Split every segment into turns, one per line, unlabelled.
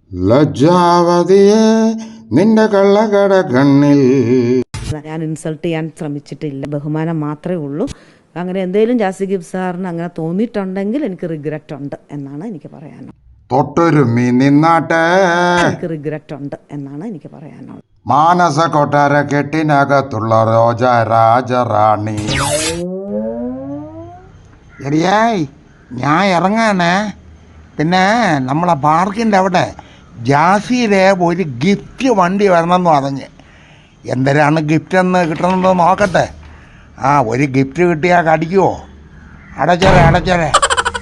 ലജ്ജാവതിയെ നിന്റെ കള്ളകട കണ്ണിൽ.
ഞാൻ ഇൻസൾട്ട് ചെയ്യാൻ ശ്രമിച്ചിട്ടില്ല, ബഹുമാനം മാത്രമേ ഉള്ളൂ. അങ്ങനെ എന്തെങ്കിലും ജാസി ഗിബ്സ് സാറിന് അങ്ങനെ തോന്നിയിട്ടുണ്ടെങ്കിൽ എനിക്ക് റിഗ്രറ്റ് ഉണ്ട് എന്നാണ് എനിക്ക് പറയാനുള്ളത്.
തൊട്ടൊരുമി നിന്നാട്ടെ,
എനിക്ക് റിഗ്രറ്റ് ഉണ്ട് എന്നാണ് എനിക്ക് പറയാനുള്ളത്.
മാനസ കൊട്ടാര കെട്ടിനകത്തുള്ള രോജ രാജറാണി.
ശരിയായി, ഞാൻ ഇറങ്ങാനേ. പിന്നെ നമ്മളെ പാർക്കിൻ്റെ അവിടെ ജാസിയിലെ ഒരു ഗിഫ്റ്റ് വണ്ടി വരണമെന്ന് പറഞ്ഞ്. എന്തരാണ് ഗിഫ്റ്റ് എന്ന് കിട്ടണമെന്ന് നോക്കട്ടെ. ഒരു ഗിഫ്റ്റ് കിട്ടിയാൽ കടിക്കുമോ? അടച്ചേരെ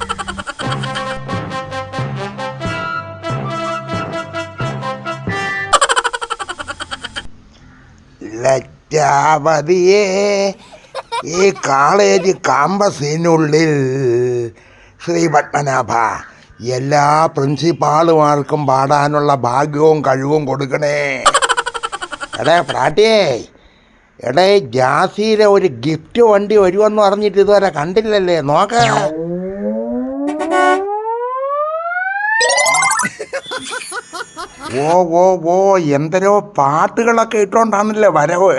ലജ്ജാവതിയേ, ഈ കോളേജ് കാമ്പസിനുള്ളിൽ ശ്രീ പത്മനാഭ എല്ലാ പ്രിൻസിപ്പാളുമാർക്കും പാടാനുള്ള ഭാഗ്യവും കഴിവും കൊടുക്കണേ. പ്രാട്ടിയേ, ജാസിയിലെ ഒരു ഗിഫ്റ്റ് വണ്ടി വരുമെന്ന് പറഞ്ഞിട്ട് ഇതുവരെ കണ്ടില്ലല്ലേ? നോക്ക. ഓ എന്തരോ പാട്ടുകളൊക്കെ ഇട്ടോണ്ടാണല്ലേ വരവ്.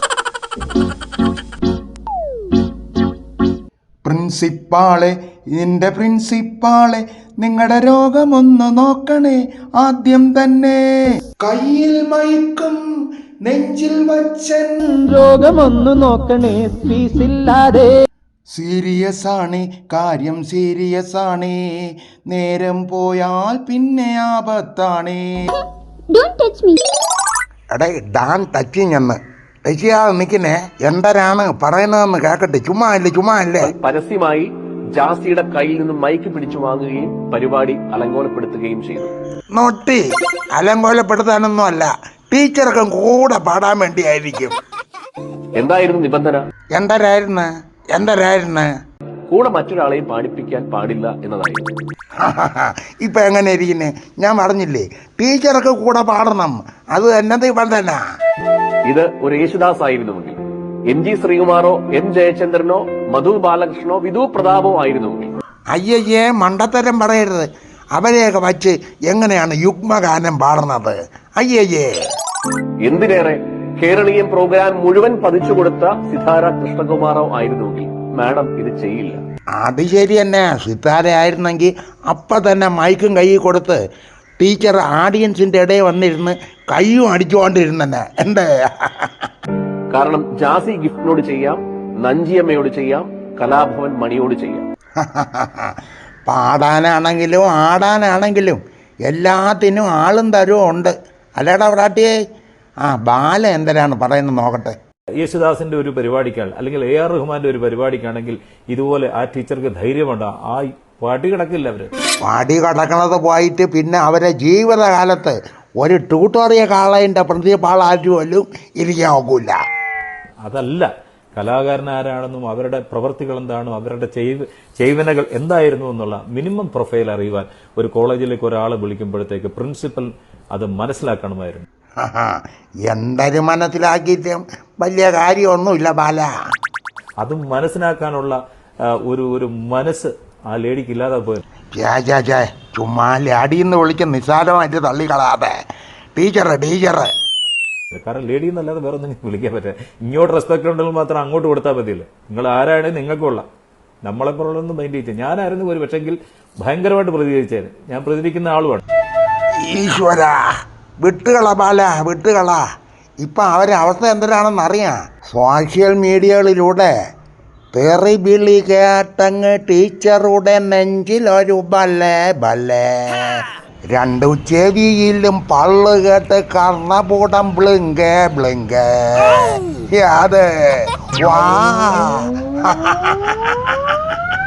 പ്രിൻസിപ്പാളെ, നിന്റെ പ്രിൻസിപ്പാളെ, നിങ്ങളുടെ രോഗമൊന്ന് നോക്കണേ ആദ്യം തന്നെ. കയ്യിൽ മയക്കും നെഞ്ചിൽ വച്ചൻ
രോഗമൊന്നു നോക്കണേ ഫീസില്ലാതെ.
സീരിയസ് ആണ് കാര്യം, സീരിയസ് ആണ്. നേരം പോയാൽ പിന്നെ ആപത്താണ്.
ഡാൻ ടച്ചിങ് ടച്ചിയാതെ നിൽക്കുന്നേ. എന്തരാണ് പറയുന്നതെന്ന് കേക്കട്ടെ. ചുമ്മാ അല്ലേ.
പരസ്യമായി ജാസിയുടെ കയ്യിൽ നിന്നും മൈക്ക് പിടിച്ചു വാങ്ങുകയും പരിപാടി അലങ്കോലപ്പെടുത്തുകയും ചെയ്തു.
നോട്ടി, അലങ്കോലപ്പെടുത്താനൊന്നും അല്ല, ടീച്ചർക്കും കൂടെ പാടാൻ വേണ്ടിയായിരിക്കും.
എന്തായിരുന്നു നിബന്ധന?
എന്തരായിരുന്നു
കൂടെ മറ്റൊരാളെയും പാടിപ്പിക്കാൻ പാടില്ല എന്നതായിരുന്നു.
ഇപ്പൊ എങ്ങനെ ഇരിക്കുന്നേ? ഞാൻ പറഞ്ഞില്ലേ, ടീച്ചർക്ക് കൂടെ പാടണം, അത് തന്നെ നിബന്ധന.
ഇത് ഒരു യേശുദാസ് ആയിരുന്നുവെങ്കിൽ, എം ജി ശ്രീകുമാറോ എം ജയചന്ദ്രനോ മധു ബാലകൃഷ്ണനോ വിധു പ്രതാപോ ആയിരുന്നുവെങ്കിൽ.
അയ്യയ്യേ, മണ്ടത്തരം പറയരുത്. അവരെയൊക്കെ വച്ച് എങ്ങനെയാണ് യുഗ്മഗാനം പാടുന്നത്? അയ്യയ്യേ.
എന്തിനേറെ, കേരളീയം പ്രോഗ്രാം മുഴുവൻ പതിച്ചു കൊടുത്ത സിതാര കൃഷ്ണകുമാറോ ആയിരുന്നുവെങ്കിൽ മാഡം ഇത് ചെയ്യില്ല.
അത് ശരി തന്നെ. സിതാര ആയിരുന്നെങ്കിൽ അപ്പൊ തന്നെ മൈക്കും കൈ കൊടുത്ത് ടീച്ചർ ഓഡിയൻസിന്റെ ഇടയിൽ വന്നിരുന്ന് കയ്യും അടിച്ചുകൊണ്ടിരുന്നെ. എന്തേ?
കാരണം ജാസി ഗിഫ്റ്റിനോട് ചെയ്യാം, നഞ്ചിയമ്മയോട് ചെയ്യാം, കലാഭവൻ മണിയോട് ചെയ്യാം.
പാടാനാണെങ്കിലും ആടാനാണെങ്കിലും എല്ലാത്തിനും ആളും തരവും ഉണ്ട്. അല്ലേടാ പ്രാട്ടിയേ? ബാല എന്തരാണ് പറയുന്നത് നോക്കട്ടെ.
യേശുദാസിന്റെ ഒരു പരിപാടിക്കാണ്, അല്ലെങ്കിൽ AR റഹ്മാന്റെ ഒരു പരിപാടിക്കാണെങ്കിൽ ഇതുപോലെ ആ ടീച്ചർക്ക് ധൈര്യമുണ്ട്. പാടി കിടക്കില്ല. അവര്
പാടി കിടക്കണത് പോയിട്ട് പിന്നെ അവരെ ജീവിതകാലത്ത് ഒരു ട്യൂട്ടോറിയൽ കാളേൻ്റെ പ്രിൻസിപ്പാളായിട്ടും ഇരിക്കാൻ ഒക്കില്ല.
അതല്ല, കലാകാരൻ ആരാണെന്നും അവരുടെ പ്രവൃത്തികൾ എന്താണോ, അവരുടെ ചെയ്വനകൾ എന്തായിരുന്നു എന്നുള്ള മിനിമം പ്രൊഫൈൽ അറിയുവാൻ ഒരു കോളേജിലേക്ക് ഒരാളെ വിളിക്കുമ്പോഴത്തേക്ക് പ്രിൻസിപ്പൽ അത് മനസ്സിലാക്കണമായിരുന്നു.
എന്തൊരു മനസ്സിലാക്കിയിട്ടും വലിയ കാര്യമൊന്നുമില്ല ബാല.
അത് മനസ്സിലാക്കാനുള്ള ഒരു മനസ്സ് ആ ലേഡിക്ക് ഇല്ലാതെ പോയി.
ചുമ്മാ ലാഡിന്ന് വിളിക്കുന്ന നിസ്സാരമായിട്ട് തള്ളിക്കളാതെ. ടീച്ചറ്
കാരണം ലേഡി എന്നല്ലാതെ വേറെ ഒന്നും വിളിക്കാൻ പറ്റില്ല. ഇങ്ങോട്ട് റെസ്പെക്ട് ഉണ്ടെങ്കിൽ മാത്രം അങ്ങോട്ട് കൊടുത്താൽ മതിയല്ലേ. നിങ്ങൾ ആരാണെങ്കിൽ നിങ്ങൾക്കുള്ള, നമ്മളെപ്പോലൊന്നും മൈൻഡ് ചെയ്യില്ല. ഞാനായിരുന്നു ഒരു പക്ഷെങ്കിൽ ഭയങ്കരമായിട്ട് പ്രതികരിച്ചേന്. ഞാൻ പ്രതികരിക്കുന്ന ആളുമാണ്.
ഈശ്വര, വിട്ടുകള ബാല, വിട്ടുകള. ഇപ്പം അവരെ അവസ്ഥ എന്തിനാണെന്നറിയാം. സോഷ്യൽ മീഡിയകളിലൂടെ തെറി വിളി കേട്ടങ്ങ് ടീച്ചറുടെ നെഞ്ചിലൊരു ബല്ലേ. രണ്ടു ചെവിയിലും പള്ളു കേട്ട് കർണപൂടം ബ്ലിങ്കേ. അത് വാ